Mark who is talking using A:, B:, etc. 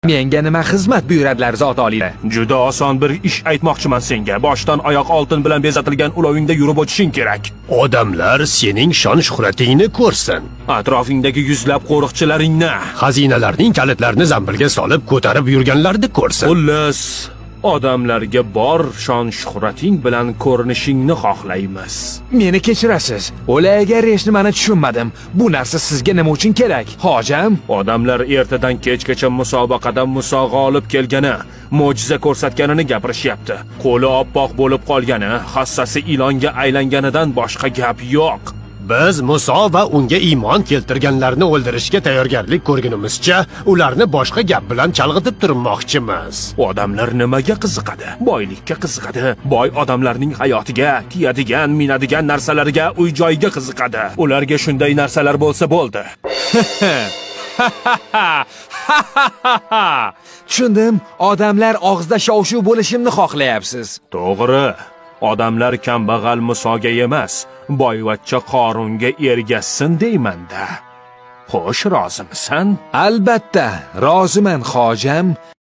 A: Menga nima xizmat buyuradilar zot oliy?
B: Juda oson bir ish aytmoqchiman senga. Boshdan oyoq oltin bilan bezatilgan ulovingda yurib o'tishing kerak.
C: Odamlar sening shon-shuhratingni ko'rsin.
B: Atrofingdagi yuzlab qo'riqchilaringni,
C: Xazinalarning kalitlarini zambilga solib ko'tarib yurganlarni ko'rsin.
B: xullas, odamlarga bor shon-shuhrating bilan ko'rinishingni xohlaymiz.
A: Meni kechirasiz. O'laga nimani tushunmadim. Bu narsa sizga nima uchun kerak? Hojam,
B: Odamlar ertadan kechgacha musobaqada g'olib kelgani, mo'jiza ko'rsatganini gapirishyapti. Qo'li oppoq bo'lib qolgani, hassasi ilonga aylanganidan boshqa gap yo'q.
C: Biz Muso va unga iymon keltirganlarni o'ldirishga tayyorgarlik ko'rgunimizcha, ularni boshqa gap bilan chalg'itib turmoqchimiz.
B: Odamlar nimaga qiziqadi? Boylikka qiziqadi. Boy odamlarning hayotiga, kiyadigan, minadigan narsalariga, uy-joyiga qiziqadi. Ularga shunday narsalar bo'lsa bo'ldi.
A: tushundim. Odamlar og'zida shov-shuv bo'lishimni xohlayapsiz.
B: To'g'ri. Odamlar kambag'al Musoga emas, boyvachcha Qorunga ergashsin deyman-da. Xo'sh, rozimisan?
A: Albatta, roziman, hojam.